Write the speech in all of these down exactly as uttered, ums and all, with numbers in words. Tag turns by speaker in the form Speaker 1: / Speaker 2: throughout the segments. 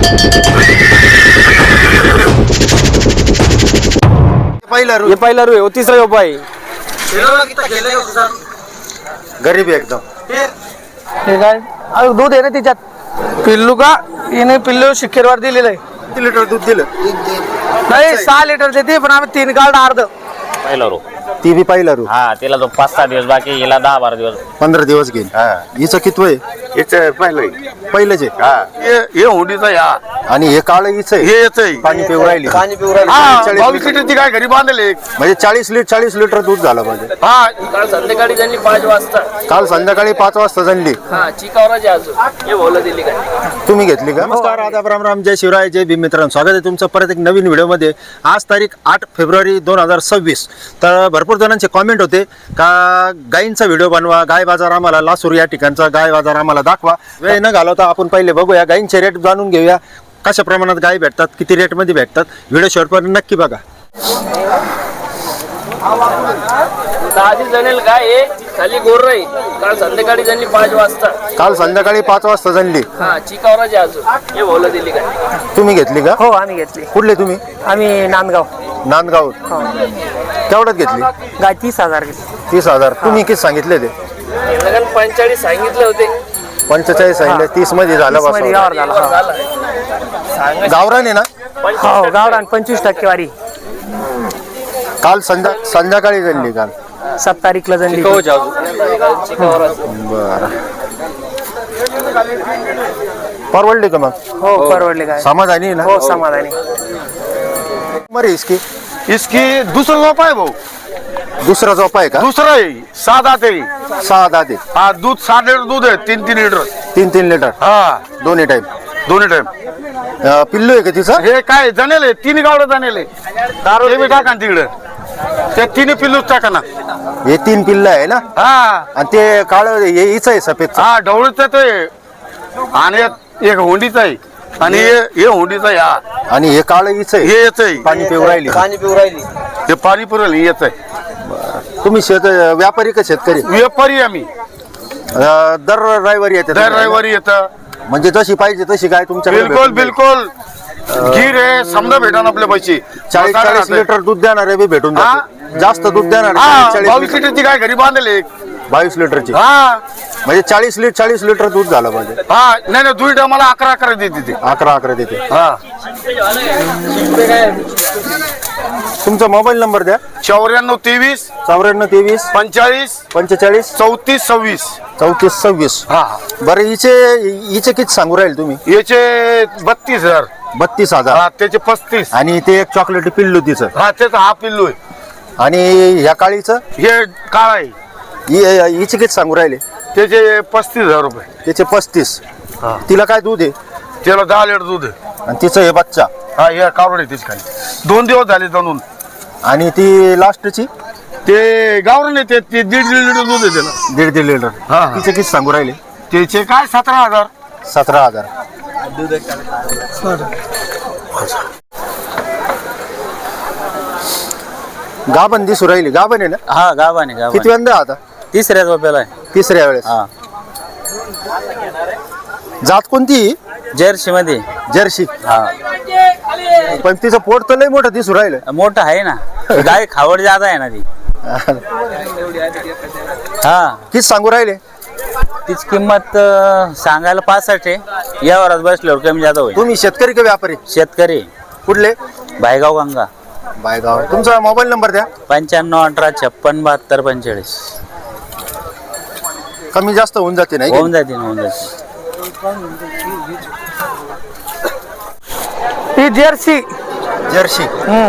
Speaker 1: पहिला रू
Speaker 2: ये पहिला रू है, तीसरा योपा है।
Speaker 1: गरीब आहे एकदम।
Speaker 3: ठीक आहे, अजून दूध आहे ना तिच्यात पिल्लू का हिने पिल्लू शिखेरवर दिलेलं आहे।
Speaker 1: किती लिटर दूध दिलं?
Speaker 3: नाही सहा लिटर देते पण आम्ही तीन काढ अर्ध
Speaker 4: पहिला रो
Speaker 1: ती बी पहिला रू
Speaker 4: हा तिला तो पाच सहा दिवस बाकी हिला दहा बारा दिवस
Speaker 1: पंधरा दिवस घेईल। हिचं किती वय?
Speaker 5: पहिलं
Speaker 1: पहिलंच आहे
Speaker 5: हे हुंडीचा या
Speaker 1: आणि हे काळ हिचं आहे।
Speaker 5: हे येतंय
Speaker 1: पाणी पिऊ राहिली
Speaker 3: पाणी पिऊ राहिली।
Speaker 5: हा,
Speaker 1: चाळीस
Speaker 5: बावीस
Speaker 1: लिटर.
Speaker 5: लिटरची काय घरी बांधले
Speaker 1: म्हणजे चाळीस लिटर चाळीस लिटर दूध झालं पाहिजे।
Speaker 5: हा
Speaker 2: काल संध्याकाळी त्यांनी पाच वाजता
Speaker 1: काल संध्याकाळी पाच वाजता जणली।
Speaker 2: हा चिकावराची अजून हे बोलत दिली का
Speaker 1: तुम्ही घेतली का? नमस्कार, आदाब, राम राम, जय शिवराय, जय भीम मित्रांनो, स्वागत आहे तुमचं परत एक नवीन व्हिडिओमध्ये। आज तारीख आठ फेब्रुवारी दोन हजार सव्वीस। तर भरपूर जणांचे कॉमेंट होते का गायींचा व्हिडिओ बनवा, गाय बाजार आम्हाला लासूर या ठिकाणचा गाय बाजार आम्हाला दाखवा। वेळ न घालवता आपण पहिले बघूया गायींचे रेट जाणून घेऊया, कशा प्रमाणात गाय भेटतात, किती रेटमध्ये भेटतात। व्हिडिओ शेवटपर्यंत नक्की बघा।
Speaker 2: दहा जणेल गाय आहे, खाली गोर राही काल संध्याकाळी त्यांनी पाच वाजता
Speaker 1: काल संध्याकाळी पाच वाजता जणली।
Speaker 2: हा चिकावराची अजून हे बोलत दिली का
Speaker 1: तुम्ही घेतली का?
Speaker 3: हो आम्ही घेतली।
Speaker 1: कुठले तुम्ही?
Speaker 3: आम्ही नांदगाव
Speaker 1: नांदगाव। केवढ्यात घेतली?
Speaker 3: गाय तीस हजार घेतली।
Speaker 1: तीस हजार तुम्ही किती सांगितले? ते
Speaker 2: लगन पंचेचाळीस सांगितले होते
Speaker 1: पंचेचाळीस सांगितले, तीस मध्ये झालं
Speaker 3: मध्ये
Speaker 1: बस।
Speaker 3: व्यवहार झाला।
Speaker 2: झाला सांगा
Speaker 1: गावरान आहे ना?
Speaker 3: हो गावरान पंचवीस टक्केवारी
Speaker 1: काल संध्या संध्याकाळी जणली काल।
Speaker 3: सात तारीखला जणली।
Speaker 1: बर, परवडली का मग?
Speaker 3: हो परवडले गाय।
Speaker 1: समाधानी आहे ना?
Speaker 3: हो समाधानी।
Speaker 1: मरे इसकी
Speaker 5: इसकी दुसरा झोप आहे भाऊ,
Speaker 1: दुसरा झोपा आहे का?
Speaker 5: दुसरा आहे सात आठ आहे।
Speaker 1: सहा दाते,
Speaker 5: हा दूध सात लिटर दूध आहे, तीन तीन लिटर
Speaker 1: तीन तीन लिटर
Speaker 5: हा
Speaker 1: दोन्ही टाइम।
Speaker 5: दोन्ही टाइम।
Speaker 1: पिल्लू आहे का तिचं?
Speaker 5: हे काय जणेल तीन गावडं जणेल दारू बी टाका ना तिकडे, त्या तिन्ही पिल्लूच टाका ना।
Speaker 1: हे तीन पिल्ल आहे ना?
Speaker 5: हा
Speaker 1: आणि ते काळ हे हिचं आहे सफेद।
Speaker 5: हा ढवळीच आहे आणि एक होंडीचा आहे आणि हे हे होंडीचा आहे हा,
Speaker 1: आणि हे काळ हिचं आहे।
Speaker 5: हे येत आहे
Speaker 1: पाणी पिऊ राहिली।
Speaker 2: पाणी पिऊ राहिली
Speaker 5: हे पाणी पुरवलं येत आहे।
Speaker 1: तुम्ही शेत व्यापारी का शेतकरी?
Speaker 5: व्यापारी आम्ही
Speaker 1: अं, दर रविवारी येते
Speaker 5: दर रविवारी येतं।
Speaker 1: म्हणजे जशी पाहिजे तशी गाय तुमच्याकडे
Speaker 5: बिलकुल
Speaker 1: भेटून जाईल?
Speaker 5: बिलकुल गीर आहे समजा भेटा आपले पैसे
Speaker 1: चाळीस चाळीस लिटर दूध देणारे बी भेटून जाते। जास्त दूध देणार
Speaker 5: हा
Speaker 1: चाळीस
Speaker 5: बावीस
Speaker 1: लिटर-
Speaker 5: लिटरची काय घरी बांधले
Speaker 1: बावीस लिटरची
Speaker 5: हा
Speaker 1: म्हणजे चाळीस लिटर चाळीस लिटर दूध झालं पाहिजे।
Speaker 5: हा नाही नाही दुई मला अकरा अकरा देते ते
Speaker 1: अकरा अकरा देते।
Speaker 5: हा
Speaker 1: तुमचा मोबाईल नंबर द्या।
Speaker 5: चौऱ्याण्णव तेवीस
Speaker 1: चौऱ्याण्णव तेवीस
Speaker 5: पंचाळीस
Speaker 1: पंचेचाळीस
Speaker 5: चौतीस सव्वीस
Speaker 1: चौतीस सव्वीस।
Speaker 5: हा
Speaker 1: बरं, हिचे हिचे किती सांगू राहील तुम्ही?
Speaker 5: याचे बत्तीस हजार
Speaker 1: बत्तीस हजार
Speaker 5: हा त्याचे पस्तीस
Speaker 1: आणि ते एक चॉकलेट पिल्लू तिचं
Speaker 5: हा त्याचा हा पिल्लू आहे।
Speaker 1: आणि ह्या काळीचं
Speaker 5: हे काळ आहे
Speaker 1: हि- हिचे किती सांगू राहिले?
Speaker 5: त्याचे पस्तीस हजार रुपये।
Speaker 1: त्याचे पस्तीस। तिला काय दूध आहे?
Speaker 5: त्याला दहा लिटर दूध आहे।
Speaker 1: आणि तिचं हे बच्चा
Speaker 5: हा हे कावड आहे त्याची खाली दोन दिवस झाले जाणून।
Speaker 1: आणि ती लास्टची
Speaker 5: ते गावरण येते ते दीड दीड लिटर दूध आहे त्याला।
Speaker 1: दीड दीड लिटर
Speaker 5: हा, हा.
Speaker 1: तिचे किती सांगू राहिले?
Speaker 5: त्याचे काय सतरा हजार
Speaker 1: सतरा हजार। गाभण दिसू राहिली, गाभण आहे ना?
Speaker 2: हा गावाने गाव
Speaker 1: किती वेळा आता?
Speaker 2: तिसऱ्या झोप्याला आहे
Speaker 1: तिसऱ्या वेळेस।
Speaker 2: हा
Speaker 1: जात कोणती?
Speaker 2: जर्सी मध्ये
Speaker 1: जर्सी।
Speaker 2: हा
Speaker 1: पण तिचं पोट तर लय मोठं दिसू राहिलं।
Speaker 2: मोठं आहे ना गाय खावड जादा आहे ना ती हा
Speaker 1: किती सांगू राहिले?
Speaker 2: तिची किंमत अं, सांगायला पासष्ट आहे यावरात बसल्यावर कमी जादा होईल
Speaker 1: तुम्ही शेतकरी का व्यापारी?
Speaker 2: शेतकरी
Speaker 1: कुठले?
Speaker 2: भायगाव गंगा
Speaker 1: बायगाव। तुमचा मोबाईल नंबर द्या।
Speaker 2: पंच्याण्णव अठरा छप्पन बहात्तर पंचेचाळीस
Speaker 1: कमी जास्त होऊन जाते नाही
Speaker 2: होऊन जाते ना, होऊन जाते
Speaker 3: ही जर्सी
Speaker 1: जर्सी।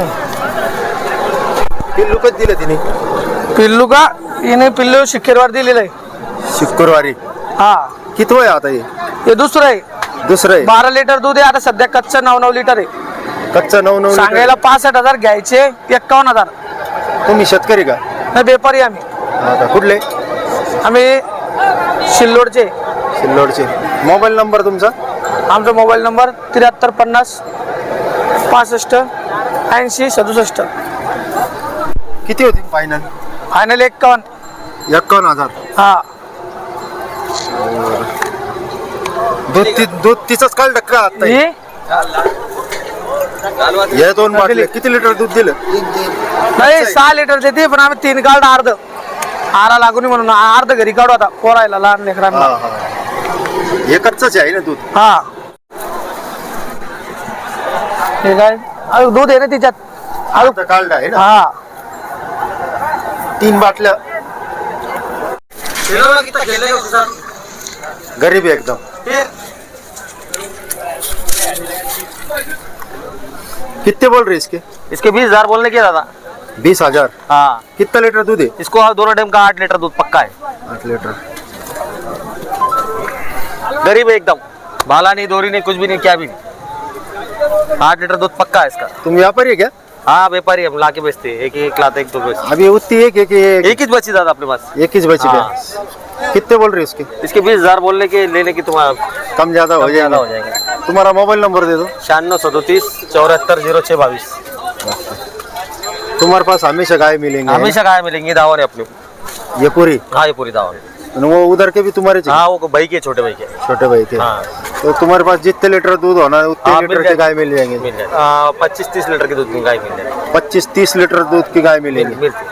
Speaker 1: पिल्लू कधी दिलं तिने?
Speaker 3: पिल्लू का हिने पिल्लू शिखेरवर दिलेलं आहे।
Speaker 1: शुक्रवारी।
Speaker 3: हा
Speaker 1: किती वय आता हे?
Speaker 3: हे दुसरं आहे।
Speaker 1: दुसरं आहे।
Speaker 3: बारा लिटर दूध आहे आता सध्या कच्चं नऊ नऊ लिटर आहे।
Speaker 1: कच्चं नऊ नऊ लिटर।
Speaker 3: सांगायला पासष्ट हजार घ्यायचे एक्कावन्न हजार।
Speaker 1: तुम्ही शेतकरी का?
Speaker 3: नाही व्यापारी आम्ही।
Speaker 1: हा का? कुठले?
Speaker 3: आम्ही शिल्लोडचे।
Speaker 1: सिल्लोडचे। मोबाईल नंबर तुमचा?
Speaker 3: आमचा मोबाईल नंबर त्र्याहत्तर पन्नास पासष्ट ऐंशी सदुसष्ट।
Speaker 1: किती होती फायनल?
Speaker 3: फायनल एक्कावन्न।
Speaker 1: एक्कावन्न हजार।
Speaker 3: हा
Speaker 1: दूध ती दूध तिचंच काल टक्का आता
Speaker 3: ही
Speaker 1: या दोन बाटले किती लिटर दूध दिलं?
Speaker 3: नाही सहा लिटर देते पण आम्ही तीन काढ अर्ध आरा लागून म्हणून अर्ध घरी काढू आता पोरायला लहान लेकरांना.
Speaker 1: हा, हा. एकच आहे ना दूध?
Speaker 3: हा हे काय अजून दूध आहे ना तिच्यात अजून.
Speaker 1: आता काढलं आहे ना?
Speaker 3: हा
Speaker 1: तीन बाटल्या. गरीब है एकदम. कितने बोल रहे इसके?
Speaker 3: इसके बीस हजार बोलने के दादा.
Speaker 1: बीस हजार.
Speaker 3: हाँ
Speaker 1: कितना लीटर दूध है?
Speaker 3: इसको दोनों टाइम का आठ लीटर दूध पक्का है.
Speaker 1: आठ लीटर.
Speaker 3: गरीब है एकदम. भाला नहीं दोरी नहीं कुछ भी नहीं क्या भी नहीं. आठ लीटर दूध पक्का है इसका.
Speaker 1: तुम व्यापारी है क्या?
Speaker 3: हाँ व्यापारी हम लाके बेचते हैं. एक एक लाते एक दो बेचते.
Speaker 1: अभी उतनी एक एक एक,
Speaker 3: एक ही बची दादा अपने पास.
Speaker 1: एक ही बची
Speaker 3: हाँ.
Speaker 1: है. कितने बोल रहे इसके?
Speaker 3: इसके बीस हजार बोलने के लेने की तुम्हारा
Speaker 1: कम ज्यादा हो
Speaker 3: ज्यादा हो
Speaker 1: जाएगा.
Speaker 3: जाएगा.
Speaker 1: तुम्हारा मोबाइल नंबर दे दो.
Speaker 3: छियानवे सदतीस चौहत्तर जीरो छः बाईस.
Speaker 1: तुम्हारे पास हमेशा गाय मिलेंगे?
Speaker 3: हमेशा गाय मिलेंगी. दावा है अपने.
Speaker 1: ये पूरी?
Speaker 3: हाँ ये पूरी दावा है.
Speaker 1: और वो उधर के भी तुम्हारे चाहिए?
Speaker 3: हाँ वो भाई के छोटे भाई के.
Speaker 1: छोटे भाई के.
Speaker 3: हाँ
Speaker 1: तो तुम्हारे पास जितने लीटर दूध होना है उतने
Speaker 3: हाँ,
Speaker 1: लीटर
Speaker 3: मिल
Speaker 1: की गाय मिल जाएंगे?
Speaker 3: मिल जाए. पच्चीस तीस लीटर की दूध की गाय मिल जाएगी.
Speaker 1: पच्चीस तीस लीटर दूध की गाय मिलेंगी.
Speaker 3: मिलती.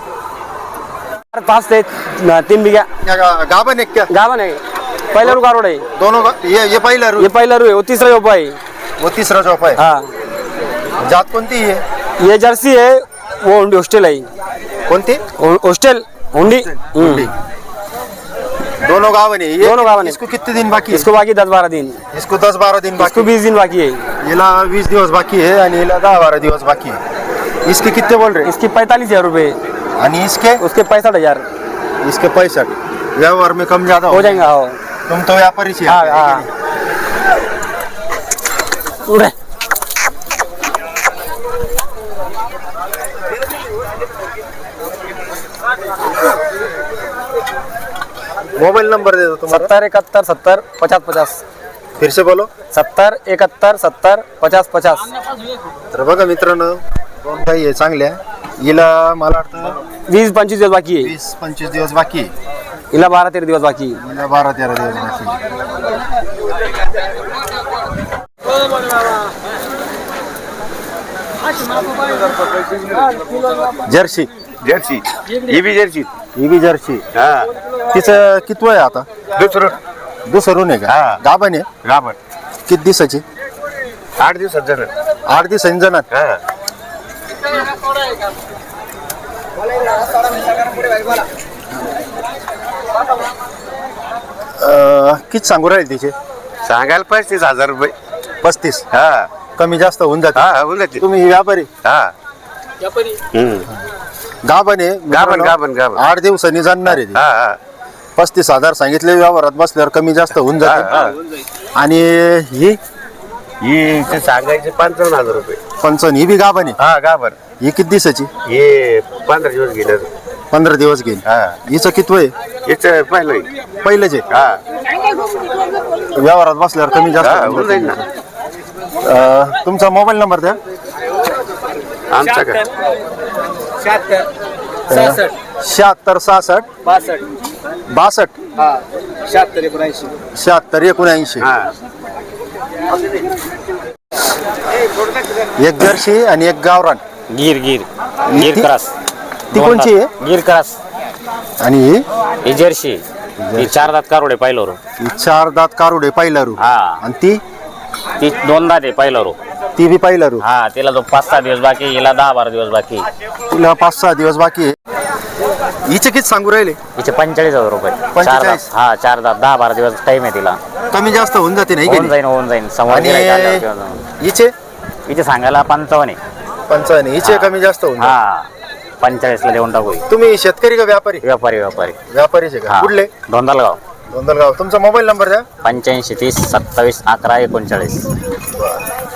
Speaker 3: पाच ते तीन बिघा
Speaker 1: क्या गा- गाभण है क्या?
Speaker 3: गावन आहे. पहिला रू गारोड आहे.
Speaker 1: दोनों का ये ये पहिला रू?
Speaker 3: हे पहिला रू आहे. वो तीसरा योपा आहे.
Speaker 1: वो तीसरा चौपा है.
Speaker 3: हाँ
Speaker 1: जात कोणती है?
Speaker 3: ये जर्सी है. वो हुंडी हॉस्टेल आहे.
Speaker 1: कोणती?
Speaker 3: हॉस्टेल हुंडी.
Speaker 1: हुंडी. दोनों गावन है ये?
Speaker 3: दोनों गावन है.
Speaker 1: इसको कितने दिन बाकी है?
Speaker 3: इसको बाकी दस बारह दिन.
Speaker 1: इसको दस बारह दिन
Speaker 3: इसको
Speaker 1: बाकी.
Speaker 3: बीस दिन बाकी है.
Speaker 1: याला वीस दिवस बाकी है आणि याला दहा बारा दिवस बाकी है. इसके कितने बोल रहे?
Speaker 3: इसके पैंतालीस हजार रुपये.
Speaker 1: आणि इसके?
Speaker 3: उसके पैंसठ हजार
Speaker 1: इसके पैंसठ. व्यवहार में कम ज्यादा
Speaker 3: हो जाएगा. हो
Speaker 1: तुम तो व्यापारी छी.
Speaker 3: हाँ हाँ उड़े.
Speaker 1: मोबाइल नंबर दे दो तुम्हारा.
Speaker 3: सत्तर इकहत्तर सत्तर पचास पचास.
Speaker 1: फिर से बोलो.
Speaker 3: सत्तर एकाहत्तर सत्तर पचास पचास.
Speaker 1: तर बघा मित्रांनो दोन गाई आहे चांगल्या. हिला मला वाटतं
Speaker 3: वीस पंचवीस दिवस बाकी आहे.
Speaker 1: वीस पंचवीस दिवस बाकी आहे.
Speaker 3: हिला बारा तेरा दिवस बाकी आहे.
Speaker 1: हिला बारा तेरा दिवस बाकी आहे. जर्सी.
Speaker 5: जर्सी ही बी जर्सी.
Speaker 1: ही बी जर्सी.
Speaker 5: हा
Speaker 1: तिचं कितवं आहे आता?
Speaker 5: दुसरं
Speaker 1: दुसरून आहे का?
Speaker 5: हा.
Speaker 1: गाभण आहे.
Speaker 5: गाभण
Speaker 1: किती दिवसाची?
Speaker 5: आठ दिवसात जण.
Speaker 1: आठ दिवसांनी जाणार.
Speaker 5: हा
Speaker 1: अं, किती सांगू राहील तिचे?
Speaker 5: सांगायला पस्तीस हजार रुपये.
Speaker 1: पस्तीस.
Speaker 5: हा
Speaker 1: कमी जास्त होऊन जाते.
Speaker 5: हा होऊन जाते.
Speaker 1: तुम्ही व्यापारी?
Speaker 5: हा
Speaker 2: व्यापारी.
Speaker 1: गाभण आहे.
Speaker 5: गाभण गाभण गाभण.
Speaker 1: आठ दिवसांनी जाणार आहे ती.
Speaker 5: हा हा
Speaker 1: पस्तीस हजार सांगितले. व्यवहारात बसल्यावर कमी जास्त होऊन
Speaker 5: हा,
Speaker 1: जाते. आणि ही
Speaker 5: ही ते सांगायचे पंचावन्न हजार रुपये.
Speaker 1: पंचावन्न. ही बी गाभण आहे.
Speaker 5: हा गाभण.
Speaker 1: ही किती दिवसाची?
Speaker 5: हे पंधरा दिवस गेले.
Speaker 1: पंधरा दिवस घेईल.
Speaker 5: हा
Speaker 1: हिचं कितवं आहे?
Speaker 5: याच पहिलं
Speaker 1: पहिलंच आहे.
Speaker 5: हा
Speaker 1: व्यवहारात बसल्यावर कमी जास्त
Speaker 5: हा
Speaker 1: होऊन
Speaker 5: होऊन जाईल ना.
Speaker 1: जाते. अं, तुमचा मोबाईल नंबर द्या.
Speaker 5: आमचा का
Speaker 1: शहात्तर सहासष्ट
Speaker 2: बासष्ट
Speaker 1: बासष्ट
Speaker 2: शहात्तर एकोणऐंशी.
Speaker 1: शहात्तर एकोणऐंशी.
Speaker 5: हा
Speaker 1: एक जर्सी आणि एक गावरान.
Speaker 4: गिर गिर गिर
Speaker 1: ती-
Speaker 4: क्रॉस.
Speaker 1: ती कोणची आहे?
Speaker 4: गिर क्रॉस.
Speaker 1: आणि ही
Speaker 4: ही जर्सी. ही चार दात कारोडे पाहिलं रो.
Speaker 1: ही चार दात कारुडे पहिला रू.
Speaker 4: हा
Speaker 1: आणि ती
Speaker 4: ती दोन दात आहे पहिलं रो.
Speaker 1: ती बी पहिला रू.
Speaker 4: हा तिला तो पाच सहा दिवस बाकी. हिला दहा बारा दिवस बाकी.
Speaker 1: तिला पाच सहा दिवस बाकी आहे. हिचे किती सांगू राहिले?
Speaker 4: हिचे पंचेचाळीस हजार रुपये. चार
Speaker 1: पंचेचाळीस?
Speaker 4: दात. हा चार दात दहा बारा दिवस टाइम आहे तिला.
Speaker 1: कमी जास्त होऊन जाते नाही
Speaker 4: होऊन
Speaker 1: गेली.
Speaker 4: जाईन होऊन जाईन. समोर
Speaker 1: आणि
Speaker 4: गिऱ्हाईक आल्यावर किंवा जाऊन.
Speaker 1: हिचे
Speaker 4: हिचे सांगायला पंचावन्न आहे.
Speaker 1: पंचावन्न. हिचे कमी जास्त होऊन जाते.
Speaker 4: हा पंचेचाळीस ला देऊन टाकू.
Speaker 1: तुम्ही शेतकरी का व्यापारी?
Speaker 4: व्यापारी व्यापारी.
Speaker 1: व्यापारीचे का?
Speaker 4: हा
Speaker 1: कुठले?
Speaker 4: धोंदालगाव.
Speaker 1: दोंदलगाव. तुमचा मोबाईल नंबर द्या.
Speaker 4: पंच्याऐंशी तीस सत्तावीस अकरा एकोणचाळीस.